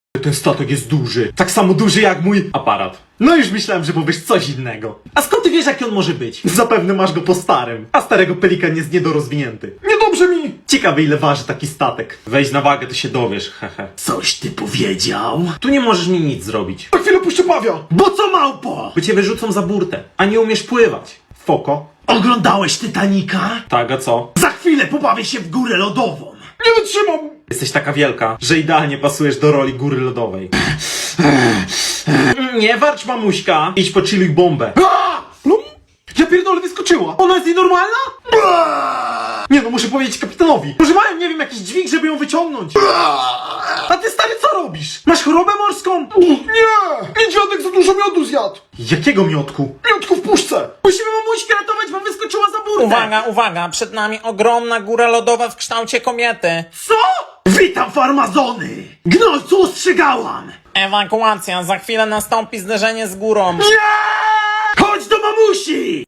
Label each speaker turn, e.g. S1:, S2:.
S1: Ten statek jest duży. Tak samo duży jak mój aparat. No już myślałem, że powiesz coś innego. A skąd ty wiesz, jaki on może być? Zapewne masz go po starym. A starego pelikan jest niedorozwinięty.
S2: Niedobrze mi!
S1: Ciekawe, ile waży taki statek. Weź na wagę, to się dowiesz, hehe. Coś ty powiedział? Tu nie możesz mi nic zrobić.
S2: Na chwilę puszczę pawia!
S1: Bo co, małpo? By cię wyrzucą za burtę, a nie umiesz pływać. Foko.
S3: Oglądałeś Titanica?
S1: Tak, a co?
S3: Za chwilę pobawię się w górę lodową.
S2: Nie wytrzymam!
S1: Jesteś taka wielka, że idealnie pasujesz do roli góry lodowej. Nie warcz, mamuśka. Idź pocziluj bombę.
S2: No, ja pierdolę, wyskoczyła!
S1: Ona jest nienormalna? Nie no, muszę powiedzieć kapitanowi. Może mają, nie wiem, jakiś dźwig, żeby ją wyciągnąć. A ty, stary, co robisz? Masz chorobę morską?
S2: Nie! Niedźwiadek za dużo miodu zjadł!
S1: Jakiego miotku?
S2: Miodku w puszce!
S1: Musimy mamuśkę ratować, bo wyskoczyła za burtę.
S4: Uwaga, uwaga, przed nami ogromna góra lodowa w kształcie kobiety.
S1: Co?
S3: Witam farmazony! Gnojcu, ostrzegałam!
S4: Ewakuacja, za chwilę nastąpi zderzenie z górą.
S3: Chodź do mamusi!